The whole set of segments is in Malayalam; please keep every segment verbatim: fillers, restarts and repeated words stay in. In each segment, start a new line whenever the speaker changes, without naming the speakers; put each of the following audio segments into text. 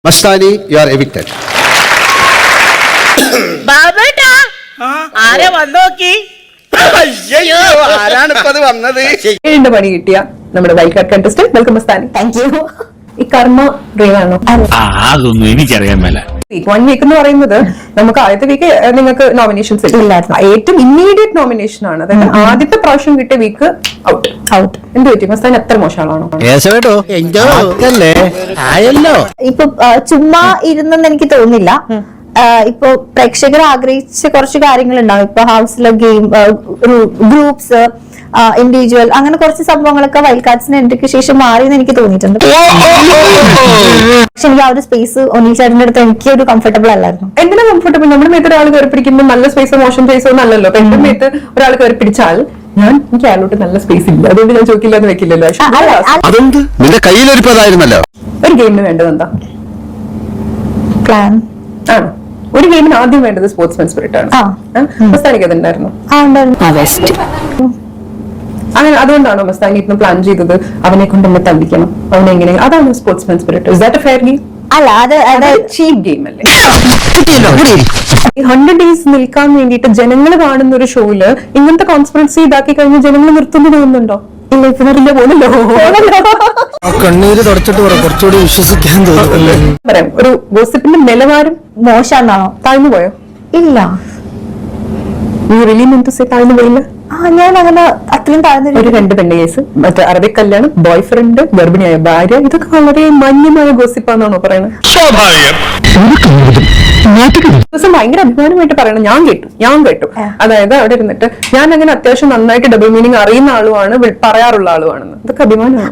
Mastani, you are evicted.
ബാബേട്ടാ ആരെ വന്നോക്കി
ആരാണിപ്പത് വന്നത്?
ഏഴിന്റെ പണി കിട്ടിയ നമ്മുടെ wild card contestant welcome Mastani.
Thank you.
ഈ കർമ്മ ഡ്രീമാണോ?
അതൊന്നും എനിക്കറിയാൻ മേല.
വൺ വീക്ക് എന്ന് പറയുന്നത് നമുക്ക് ആദ്യത്തെ വീക്ക് നിങ്ങൾക്ക് നോമിനേഷൻസ്
ഇല്ലായിരുന്നു.
ഏറ്റവും ഇമ്മീഡിയറ്റ് നോമിനേഷൻ ആണ്. അതായത് ആദ്യത്തെ പ്രാവശ്യം കിട്ടിയ വീക്ക് ഔട്ട് ഔട്ട് എന്ത് പറ്റി? മസ്താനി എത്ര മോശമാണോ?
ആയല്ലോ.
ഇപ്പൊ ആ, ചുമ്മാ ഇരുന്നെന്ന് എനിക്ക് തോന്നുന്നില്ല. ആ, ഇപ്പൊ പ്രേക്ഷകർ ആഗ്രഹിച്ച കുറച്ച് കാര്യങ്ങൾ ഉണ്ടാവും. ഇപ്പൊ ഹൗസിലെ ഗെയിം, ഗ്രൂപ്പ്സ്, ഇൻഡിവിജ്വൽ, അങ്ങനെ കുറച്ച് സംഭവങ്ങളൊക്കെ വൈൽഡ് കാർഡ്സിന് എൻട്രിക്ക് ശേഷം മാറിയെന്ന് എനിക്ക് തോന്നിയിട്ടുണ്ട്. പക്ഷെ എനിക്ക് ആ ഒരു സ്പേസ് ഒന്നിൽ ചേട്ടന്റെ അടുത്ത് എനിക്ക് ഒരു കംഫർട്ടബിൾ അല്ലായിരുന്നു.
എന്തിനാ കംഫർട്ടബിൾ? നമ്മുടെ മേത്ത് ഒരാൾ കയറി പിടിക്കുമ്പോൾ നല്ല സ്പേസോ മോശം സ്പേസോ ഒന്നല്ലല്ലോ. അപ്പൊ എന്റെ മേത്ത് ഒരാൾ കയറി പിടിച്ചാൽ ഞാൻ എനിക്ക് അയാളോട്ട് നല്ല സ്പേസ് ഇല്ല, അതുകൊണ്ട് ഞാൻ ചോദിക്കില്ല എന്ന് വെക്കില്ലല്ലോ.
അതെന്ത്? നിന്റെ കയ്യിലൊരിപ്പതായിരുന്നല്ലോ.
ഒരു ഗെയിമിന് വേണ്ടത് എന്താ?
പ്ലാൻ
ആണ്. ഒരു ഗെയിമിന് ആദ്യം വേണ്ടത് സ്പോർട്സ്മാൻ സ്പിരിറ്റ് ആണ്. മസ്താനിക്ക് അതുണ്ടായിരുന്നു. അങ്ങനെ അതുകൊണ്ടാണോ മസ്താനി ഇന്ന് പ്ലാൻ ചെയ്തത് അവനെ കൊണ്ട് നമ്മൾ തള്ളിക്കണം, അവനെ എങ്ങനെ? അതാണ് sportsman spirit. Is that a fair game?
അല്ല, അത് അത്
ചീപ്പ് ഗെയിം അല്ലേ? ഈ ഹൺഡ്രഡ് ഡേയ്സ് നിൽക്കാൻ വേണ്ടിയിട്ട് ജനങ്ങൾ കാണുന്ന ഒരു ഷോയില് ഇങ്ങനത്തെ കോൺസ്പിറൻസി ഇതാക്കി കഴിഞ്ഞാൽ ജനങ്ങൾ നിർത്തുന്നു തോന്നുന്നുണ്ടോ? ഇല്ല, ഇല്ല പോലല്ലോ.
കണ്ണീര് തുടച്ചിട്ട് കുറച്ചുകൂടി വിശ്വസിക്കാൻ തോന്നുന്നു.
പറയാം, ഒരു ഗോസിപ്പിന്റെ നിലവാരം
മോശമാണോ?
താഴ്ന്നു പോയോ?
ഇല്ല.
നീ റിലീ മീൻ ടു സേ താഴ്ന്നു പോയില്ല?
ആ, ഞാൻ അങ്ങനെ അത്രയും താഴ്ന്ന
ഒരു രണ്ട് പെണ്ണ് കേസ്, മറ്റേ അറബിക് കല്യാണം, ബോയ് ഫ്രണ്ട്, ഗർഭിണിയായ ഭാര്യ, ഇതൊക്കെ വളരെ മാന്യമായ ഗോസിപ്പാന്നാണോ പറയണത്? ദിവസം ഭയങ്കര അഭിമാനമായിട്ട് പറയണം. ഞാൻ കേട്ടു ഞാൻ കേട്ടു അതായത് അവിടെ ഇരുന്നിട്ട് ഞാൻ അങ്ങനെ അത്യാവശ്യം നന്നായിട്ട് ഡബിൾ മീനിങ് അറിയുന്ന ആളുമാണ്, പറയാറുള്ള ആളുവാണെന്ന്. ഇതൊക്കെ അഭിമാനമാണ്.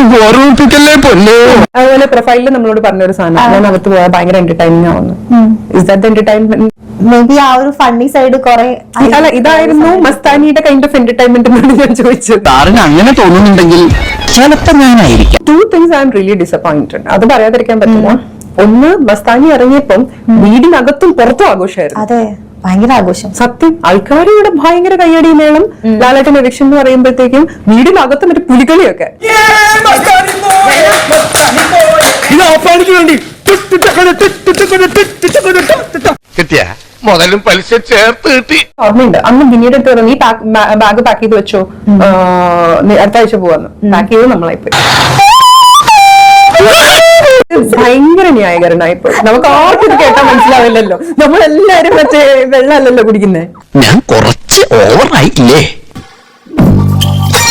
അതുപോലെ പ്രൊഫൈലിൽ നമ്മളോട് പറഞ്ഞൊരു സാധനം, ഞാൻ അകത്ത് പോയാൽ ഭയങ്കര എന്റർടൈനിങ് ആവുന്നു. Is that entertainment?
Maybe ആ ഒരു ഫണ്ണി സൈഡ് കുറെ.
അല്ല, ഇതായിരുന്നു മസ്താനിയുടെ കൈൻഡ് ഓഫ് എന്റർടൈൻമെന്റ് എന്നാണ് ഞാൻ ചോദിച്ചത്.
സാറിന് അങ്ങനെ തോന്നുന്നുണ്ടെങ്കിൽ ചിലപ്പോ ഞാനായിരിക്കും.
Two things I'm really disappointed. അത് പറയാതിരിക്കാൻ പറ്റില്ല. ഒന്ന്, മസ്താനി ഇറങ്ങിയപ്പം വീടിനകത്തും പുറത്തും ആഘോഷമായിരുന്നു.
അതെ, ഭയങ്കര ആഘോഷം.
സത്യം. ആൾക്കാർ ഇവിടെ ഭയങ്കര കയ്യടി മേളം. ലാലേട്ടൻ എലക്ഷൻ എന്ന് പറയുമ്പോഴത്തേക്കും വീടിനകത്തും ഒരു പുലികളിയൊക്കെ.
കിട്ടിയ മുതലും പലിശ ചേർത്ത് കിട്ടി.
ഓർമ്മയുണ്ട്, അന്ന് ഗിനിയുടെ അടുത്ത് പറഞ്ഞു, നീ ബാഗ് പാക്ക് ചെയ്ത് വെച്ചോ, അടുത്ത ആഴ്ച പോവാന്ന്. പാക്ക് ചെയ്ത് നമ്മളായി പോയി. ഭയങ്കര ന്യായകരനായിപ്പോ. നമുക്ക് ആർക്കും ഇത് കേട്ടാൽ മനസ്സിലാവില്ലല്ലോ. നമ്മളെല്ലാരും മറ്റേ വെള്ളമല്ലല്ലോ കുടിക്കുന്നേ.
ഞാൻ കുറച്ച് ഓവറായില്ലേ?